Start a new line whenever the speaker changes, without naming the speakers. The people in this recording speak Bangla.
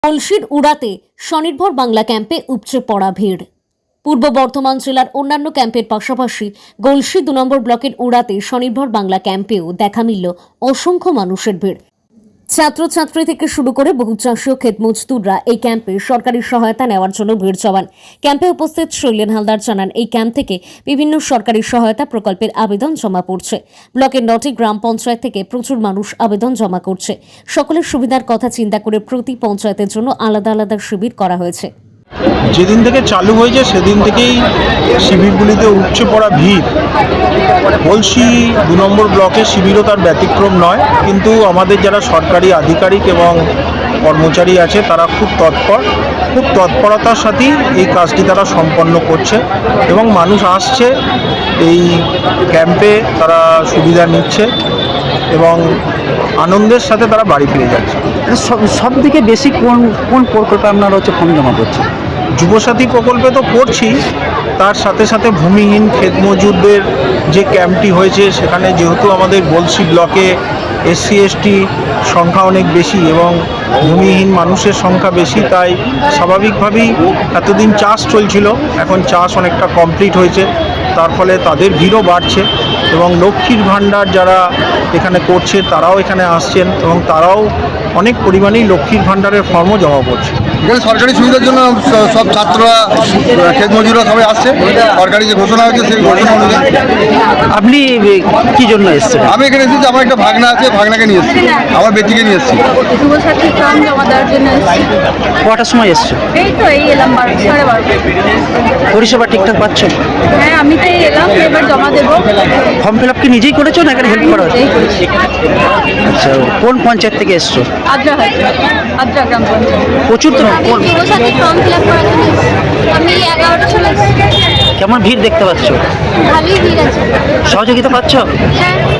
গলসির উড়াতে স্বনির্ভর বাংলা ক্যাম্পে উপচে পড়া ভিড়। পূর্ব বর্ধমান জেলার অন্যান্য ক্যাম্পের পাশাপাশি গলসি 2 নম্বর ব্লকের উড়াতে স্বনির্ভর বাংলা ক্যাম্পেও দেখা মিলল অসংখ্য মানুষের ভিড়। ছাত্রছাত্রী থেকে শুরু করে বহু চাষী ও ক্ষেত মজদুররা এই ক্যাম্পে সরকারি সহায়তা নেওয়ার জন্য ভিড় জমান। ক্যাম্পে উপস্থিত শৈলেন হালদার জানান, এই ক্যাম্প থেকে বিভিন্ন সরকারি সহায়তা প্রকল্পের আবেদন জমা পড়ছে। ব্লকের 9টি গ্রাম পঞ্চায়েত থেকে প্রচুর মানুষ আবেদন জমা করছে। সকলের সুবিধার কথা চিন্তা করে প্রতি পঞ্চায়েতের জন্য আলাদা আলাদা শিবির করা হয়েছে।
যেদিন থেকে চালু হয়েছে সেদিন থেকেই শিবিরগুলিতে উপচে পড়া ভিড়। গলসি 2 নম্বর ব্লকের শিবিরও তার ব্যতিক্রম নয়, কিন্তু আমাদের যারা সরকারি আধিকারিক এবং কর্মচারী আছে তারা খুব তৎপরতার সাথেই এই কাজটি তারা সম্পন্ন করছে এবং মানুষ আসছে এই ক্যাম্পে, তারা সুবিধা নিচ্ছে এবং আনন্দের সাথে তারা বাড়ি ফিরে যাচ্ছে।
সব থেকে বেশি কোন প্রকল্পে আপনারা ফর্ম জমা করছেন?
যুবসাথী প্রকল্পে তো করছি, তার সাথে সাথে ভূমিহীন ক্ষেত মজুরদের যে ক্যাম্পটি হয়েছে সেখানে যেহেতু আমাদের গলসি ব্লকে SC ST সংখ্যা অনেক বেশি এবং ভূমিহীন মানুষের সংখ্যা বেশি, তাই স্বাভাবিকভাবেই এতদিন চাষ চলছিল, এখন চাষ অনেকটা কমপ্লিট হয়েছে, তার ফলে তাদের ভিড়ও বাড়ছে এবং লক্ষ্মীর ভাণ্ডার যারা এখানে করছে তারাও এখানে আসছেন এবং তারাও অনেক পরিমাণেই লক্ষ্মীর ভাণ্ডারের ফর্মও জমা করছে।
এখানে সরকারি সুবিধার জন্য সব ছাত্ররা, ক্ষেত মজুররা সবাই আসছে। সরকারি যে ঘোষণা হয়েছে সেই ঘোষণা অনুযায়ী।
আপনি কি জন্য এসেছেন?
আমি এখানে এসেছি, আমার একটা ভাগনা আছে, ভাগনাকে নিয়ে এসেছি, আমার বেটিকে নিয়ে এসেছি।
যুবসাথী ফর্ম জমা দেওয়ার জন্য এসেছি।
কটার সময় এসছো?
এই এলাম 12:30।
পরিষেবা ঠিকঠাক পাচ্ছ?
হ্যাঁ, আমি তো এলাম, এবার জমা দেবো।
ফর্ম ফিল আপ কি নিজেই করেছো না এখানে হেল্প করা হচ্ছে? আচ্ছা, কোন পঞ্চায়েত থেকে এসছো?
আদ্রা গ্রাম পঞ্চায়েত।
প্রচুর তো
যুবসাথী ফর্ম ফিল আপ করার জন্য এসেছি। আমি 11টার সময় এসেছি।
কেমন ভিড় দেখতে পাচ্ছ?
ভালোই ভিড় আছে।
সহযোগিতা পাচ্ছ?
হ্যাঁ।